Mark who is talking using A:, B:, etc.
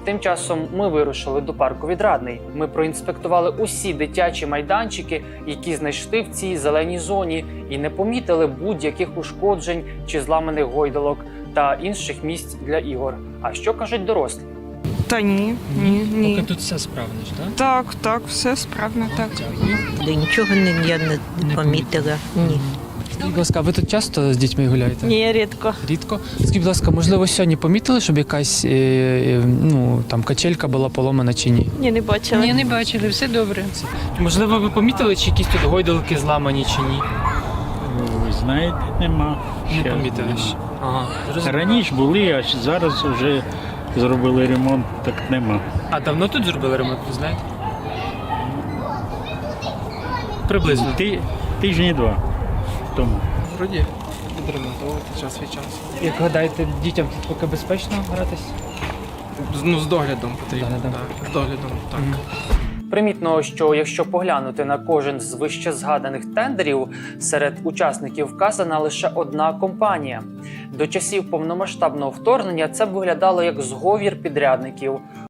A: Тим часом ми вирушили до парку Відрадний. Ми проінспектували усі дитячі майданчики, які знайшли в цій зеленій зоні, і не помітили будь-яких ушкоджень чи зламаних гойдалок та інших місць для ігор. А що кажуть дорослі?
B: Та ні.
C: Поки тут все справно ж, так?
B: Так, все справно, так.
C: Дякую.
D: Нічого я не помітила. Ні.
C: Скажіть, будь ласка, ви тут часто з дітьми гуляєте?
D: Ні, рідко.
C: Рідко? Скажіть, будь ласка, можливо, сьогодні помітили, щоб якась там качелька була поломана чи ні?
D: Ні, не бачила.
E: Ні, не бачили, все добре.
C: Можливо, ви помітили, чи якісь тут гойдалки зламані чи ні?
F: Ви знаєте, нема.
C: Не
F: Ще
C: помітили
F: нема.
C: ще. Ага.
F: Раніше були, а зараз вже зробили ремонт, так нема.
C: А давно тут зробили ремонт, ви знаєте? Приблизно.
F: Тижні два тому.
C: Вроді відремонтовувати час від часу. Як гадаєте, дітям тут поки безпечно гратись?
G: Ну, з доглядом потрібно.
C: Доглядом.
G: Так, з доглядом, так.
A: Примітно, що якщо поглянути на кожен з вище згаданих тендерів, серед учасників вказана лише одна компанія. До часів повномасштабного вторгнення це виглядало як зговір підрядників.